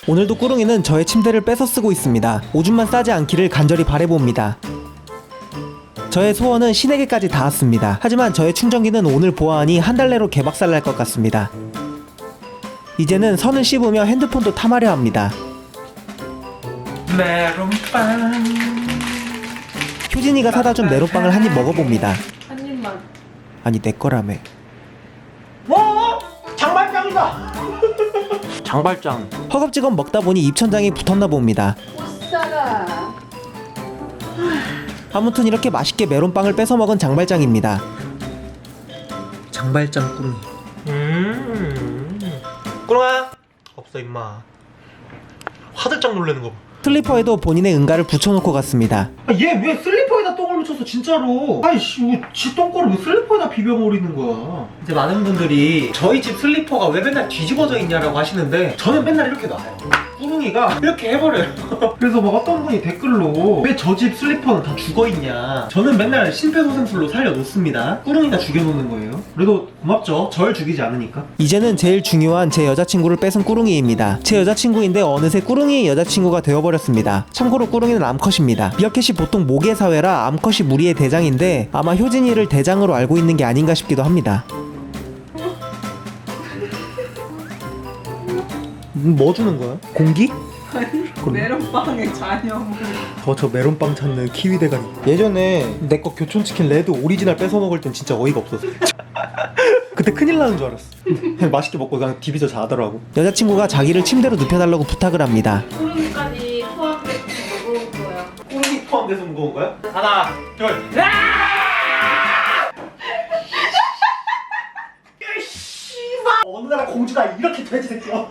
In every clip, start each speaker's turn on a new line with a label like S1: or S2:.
S1: 오늘도 꾸릉이는 저의 침대를 뺏어 쓰고 있습니다. 오줌만 싸지 않기를 간절히 바라봅니다. 저의 소원은 신에게까지 닿았습니다. 하지만 저의 충전기는 오늘 보아하니 한 달 내로 개박살 날 것 같습니다. 이제는 선을 씹으며 핸드폰도 탐하려 합니다.
S2: 메론빵.
S1: 효진이가 사다 준 메론빵을 한 입 먹어봅니다.
S3: 한 입만.
S1: 아니 내 거라며.
S2: 와! 장발장이다. 장발장.
S1: 허겁지겁 먹다 보니 입천장이 붙었나 봅니다.
S3: 오싸라.
S1: 아무튼 이렇게 맛있게 메론빵을 뺏어 먹은 장발장입니다.
S2: 장발장 꾸릉이. 꾸릉아. 없어 임마. 화들짝 놀라는 거 봐.
S1: 슬리퍼에도 본인의 응가를 붙여놓고 갔습니다.
S2: 얘 왜 슬리퍼에다 똥을 묻혔어 진짜로. 아이씨 지 똥꼬를 왜 슬리퍼에다 비벼버리는 거야. 이제 많은 분들이 저희 집 슬리퍼가 왜 맨날 뒤집어져 있냐라고 하시는데 저는 맨날 이렇게 놔요. 꾸릉이가 이렇게 해버려요. 그래서 막 어떤 분이 댓글로 왜 저 집 슬리퍼는 다 죽어있냐. 저는 맨날 심폐소생술로 살려놓습니다. 꾸릉이가 죽여놓는 거예요. 그래도 고맙죠. 절 죽이지 않으니까.
S1: 이제는 제일 중요한 제 여자친구를 뺏은 꾸릉이입니다. 제 여자친구인데 어느새 꾸릉이의 여자친구가 되어버렸습니다. 참고로 꾸릉이는 암컷입니다. 미어캣이 보통 모계 사회라 암컷이 무리의 대장인데 아마 효진이를 대장으로 알고 있는 게 아닌가 싶기도 합니다.
S2: 뭐 주는 거야? 공기?
S3: 메론빵의 잔여물.
S2: 저 메론빵 찾는 키위 대가리. 예전에 내 거 교촌치킨 레드 오리지널 뺏어 먹을 땐 진짜 어이가 없었어. 그때 큰일 나는 줄 알았어. 그냥 맛있게 먹고 그냥 디비져 자더라고.
S1: 여자친구가 자기를 침대로 눕혀달라고 부탁을 합니다.
S3: 꾸릉이까지 포함돼서 무거운 거야.
S2: 꾸릉이 포함돼서 무거운 거야? 하나, 둘. 어느 나라 공주가 이렇게 돼지 새끼야.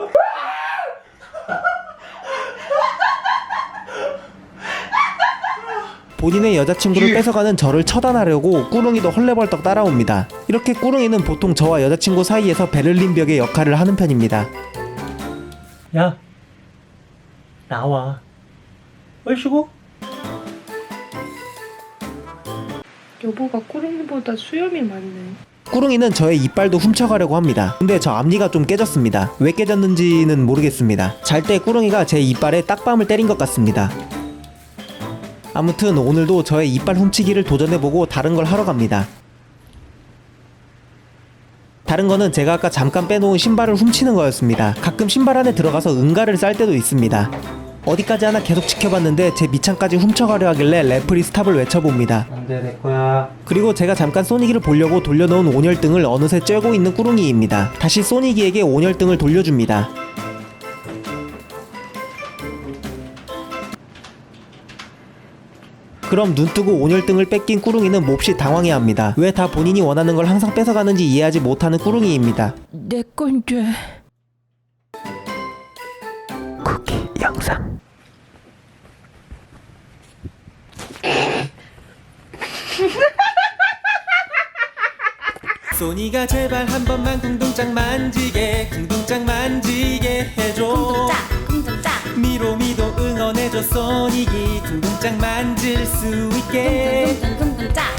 S1: 본인의 여자친구를 뺏어가는 저를 처단하려고 꾸릉이도 헐레벌떡 따라옵니다. 이렇게 꾸릉이는 보통 저와 여자친구 사이에서 베를린 벽의 역할을 하는 편입니다.
S2: 야, 나와. 얼씨구?
S3: 여보가 꾸릉이보다 수염이 많네.
S1: 꾸릉이는 저의 이빨도 훔쳐가려고 합니다. 근데 저 앞니가 좀 깨졌습니다. 왜 깨졌는지는 모르겠습니다. 잘 때 꾸릉이가 제 이빨에 딱밤을 때린 것 같습니다. 아무튼 오늘도 저의 이빨 훔치기를 도전해보고 다른 걸 하러 갑니다. 다른 거는 제가 아까 잠깐 빼놓은 신발을 훔치는 거였습니다. 가끔 신발 안에 들어가서 응가를 쌀 때도 있습니다. 어디까지 하나 계속 지켜봤는데 제 밑창까지 훔쳐가려 하길래 레프리 스탑을 외쳐봅니다.
S2: 안돼 내 거야.
S1: 그리고 제가 잠깐 소니기를 보려고 돌려놓은 온열등을 어느새 쬐고 있는 꾸릉이입니다. 다시 소니기에게 온열등을 돌려줍니다. 그럼 눈뜨고 온열등을 뺏긴 꾸릉이는 몹시 당황해합니다. 왜 다 본인이 원하는 걸 항상 뺏어가는지 이해하지 못하는 꾸릉이입니다.
S3: 내 건데.
S1: 쿠키 영상. 소니가 제발 한 번만 궁둥짝 만지게 해줘.
S4: 쿵둥짝
S1: 미로미도 응원해줘. 소니기 궁둥짝 만질 수 있게.
S4: 쿵둥쿵둥